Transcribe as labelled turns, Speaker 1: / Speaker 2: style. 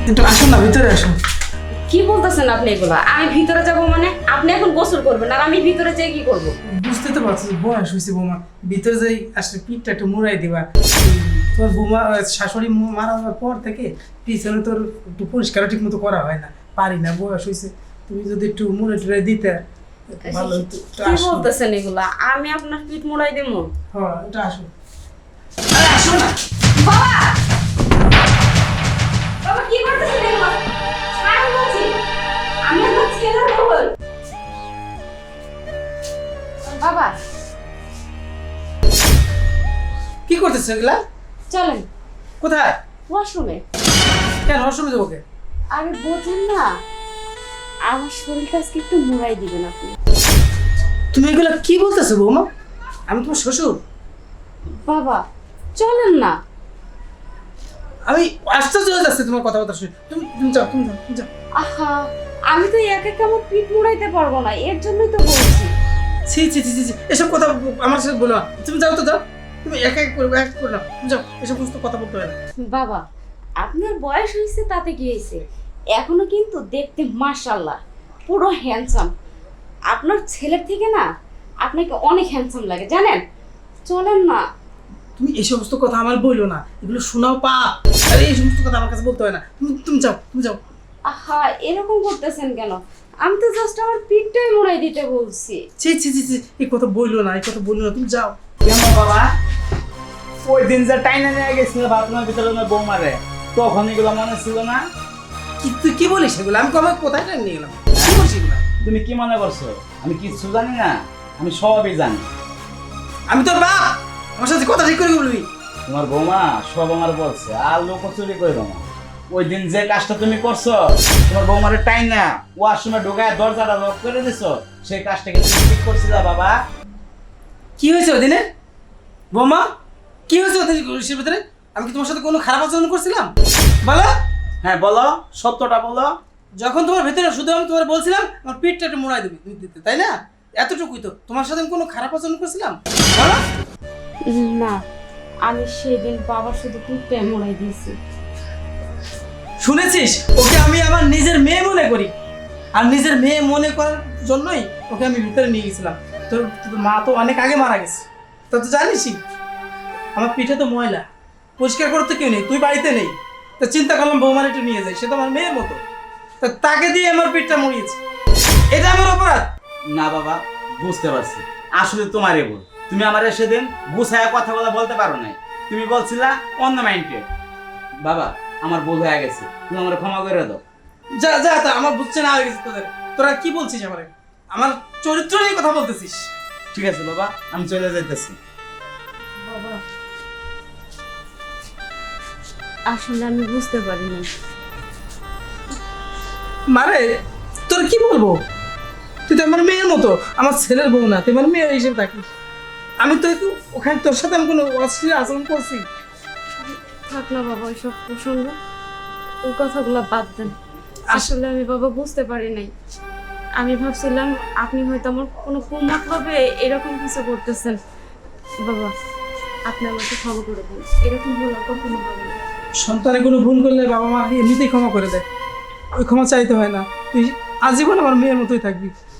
Speaker 1: একটু আসুন না, ভিতরে আসুন।
Speaker 2: কি বলতেছেন আপনি এগুলা? আমি ভিতরে যাব মানে? আপনি এখন গোসল করবেন আর আমি ভিতরে যেয়ে কি করব?
Speaker 1: বুঝতে তো পারছি বয়স হয়েছে বৌমা, ভিতরে যাই আসলে পিঠটা একটু মুড়াই দিবা। তোর বৌমা শাশুড়ি মারা যাওয়ার পর থেকে পিছনে তোর একটু পরিষ্কার ঠিক মতো করা হয় না, পারি না, বয়স হয়েছে। তুমি যদি একটু মুড়ে টুড়ে দিতে ভালো হতো।
Speaker 2: কি বলতেছেন এগুলা? আমি আপনার পিঠ মুড়াই দেবো?
Speaker 1: হ্যাঁ, এটা আসো। আরে আসো না।
Speaker 2: বাবা! বাবা কি করতেছেন এগুলা? ছাড় বলছি। আমি আপনার ছেলের বউ। বাবা
Speaker 1: কি করতেছে এগুলা?
Speaker 2: চলেন
Speaker 1: কোথায়?
Speaker 2: ওয়াশরুমে।
Speaker 1: কেন অসুবিধা দেবো ওকে?
Speaker 2: আরে বোঝেন না, আমার শরীরটা আজকে একটু মুড়াই দিবেন আপনি।
Speaker 1: তুমি এগুলা কি বলতেছো বৌমা? আমি তোমার শ্বশুর।
Speaker 2: বাবা চলেন না।
Speaker 1: আমি আশ্চর্য হয়ে যাচ্ছে তোমার কথাবার্তা শুনে। তুমি তুমি যাও, তুমি যাও, তুমি যাও।
Speaker 2: আহা, আমি তো একা একা আমার পিঠ মুড়াইতে পারবো না, এর জন্যই তো বলছি।
Speaker 1: ছি ছি ছি ছি ছি, এসব কথা আমার সাথে বলো না। তুমি যাও তো, যাও। তুমি একা এক করবে, এক করে নাও। তুমি যাও, এসব সমস্ত কথা বলতে হয় না।
Speaker 2: বাবা আপনার বয়স হয়েছে তাতে কি হয়েছে, এখনো কিন্তু দেখতে মাশাআল্লাহ পুরো হ্যান্ডসাম। আপনার ছেলের থেকে না আপনাকে অনেক হ্যান্ডসাম লাগে জানেন। চলেন না।
Speaker 1: তুমি এই সমস্ত কথা আমার বললো না, এগুলো শোনাও পাপ। আরে এই সমস্ত কথা আমার কাছে বলতে হয় না। তুমি তুমি যাও, তুমি যাও।
Speaker 2: আহা এরকম করতেছেন কেন? আমি তো জাস্ট আমার পিঠটাই মুড়াই দিতে বলছি।
Speaker 1: ছি ছি ছি ছি, এই কথা বললো না, এই কথা বললো না, তুমি যাও।
Speaker 3: কেন বাবা? ওই দিন যে টাইনা নিয়ে গেছিল বাথরুমের ভিতরে ওনার বৌমারে, তখন এগুলো মনে ছিল না?
Speaker 1: কি তুই কি বলিস এগুলো? আমি কবে কোথায় টাইম নিয়ে গেলাম? কি বলছিস এগুলো?
Speaker 3: তুমি কি মনে করছো আমি কিচ্ছু জানি না? আমি সবই জানি।
Speaker 1: আমি তোর বাপ, আমার সাথে কথা ঠিক করে বলবি।
Speaker 3: তোমার বৌমা সব আমার বলছে, আর লোক চুরি করবো না। ওই দিন যে কাজটা তুমি করছো, তোমার বৌমারে টাইনা ওয়াশরুমে ঢোকায় দরজাটা লক করে দিছো, সেই কাজটা কি তুমি ঠিক করছিলা বাবা?
Speaker 1: কি হয়েছে ওদিনে বৌমা? কি হয়েছে ওদের সে ভিতরে? আমি কি তোমার সাথে কোনো খারাপ আচরণ করছিলাম? বলো।
Speaker 3: হ্যাঁ বলো, সত্যটা বলো।
Speaker 1: যখন তোমার ভেতরে শুধু আমি তোমার বলছিলাম আমার পিঠটা একটু মোড়াই দিবি দিতে, তাই না? এতটুকুই তো। তোমার সাথে আমি কোনো খারাপ আচরণ করছিলাম? বলো।
Speaker 2: না, আমি সেদিন বাবার শুধু পিঠটাই মুড়াই দিয়েছি।
Speaker 1: শুনেছিস? ওকে আমি আমার নিজের মেয়ে মনে করি, আর নিজের মেয়ে মনে করার জন্যই ওকে আমি ভিতরে নিয়ে গেছিলাম। তোর তোর মা তো অনেক আগে মারা গেছে, তা তো জানিসই। আমার পিঠে তো ময়লা, পরিষ্কার করতে কেউ নেই, তুই বাড়িতে নেই। তা চিন্তা করলাম বৌমার একটু নিয়ে যাই, সে তো আমার মেয়ের মতো। তা তাকে দিয়ে আমার পিঠটা মুড়িয়েছে, এটা আমার অপরাধ?
Speaker 3: না বাবা, বুঝতে পারছি, আসলে তোমারই ভুল। তুমি আমার সেদিন গুছায়া কথা বলতে পারো নাই, তুমি বলছিলা অন্য মাইন্ডে। বাবা আমার ভুল হয়ে গেছে, তুমি আমার ক্ষমা করে দাও।
Speaker 1: যা যা, তা আমার বুঝছে না হয়ে গেছে তোদের। তোরা কি বলছিস আমারে? আমার চরিত্র নিয়ে কথা বলতেছিস?
Speaker 3: ঠিক আছে বাবা, আমি চলে যাইতেছি।
Speaker 1: বাবা,
Speaker 2: আসলে আমি বুঝতে পারিনি।
Speaker 1: মারে তোর কি বলবো? তুই তো আমার মেয়ের মতো, আমার ছেলের বউ না, তুই আমার মেয়ে হিসেবে থাকিস। আমি তো একটু ওখানে তোর সাথে আমি কোনো অশ্লীল আচরণ করছি?
Speaker 2: থাক না বাবা ওইসব প্রসঙ্গ, ওই কথাগুলো বাদ দেন। আসলে আমি বাবা বুঝতে পারি নাই। আমি ভাবছিলাম আপনি হয়তো আমার কোনো কুমতলবে এরকম কিছু করতেছেন। বাবা আপনি আমাকে ক্ষমা করে দেন, এরকম ভুল আর কখনো হবে না।
Speaker 1: সন্তানে কোনো ভুল করলে বাবা মা এমনিতেই ক্ষমা করে দেয়, ওই ক্ষমা চাইতে হয় না। তুই আজীবন আমার মেয়ের মতোই থাকবি।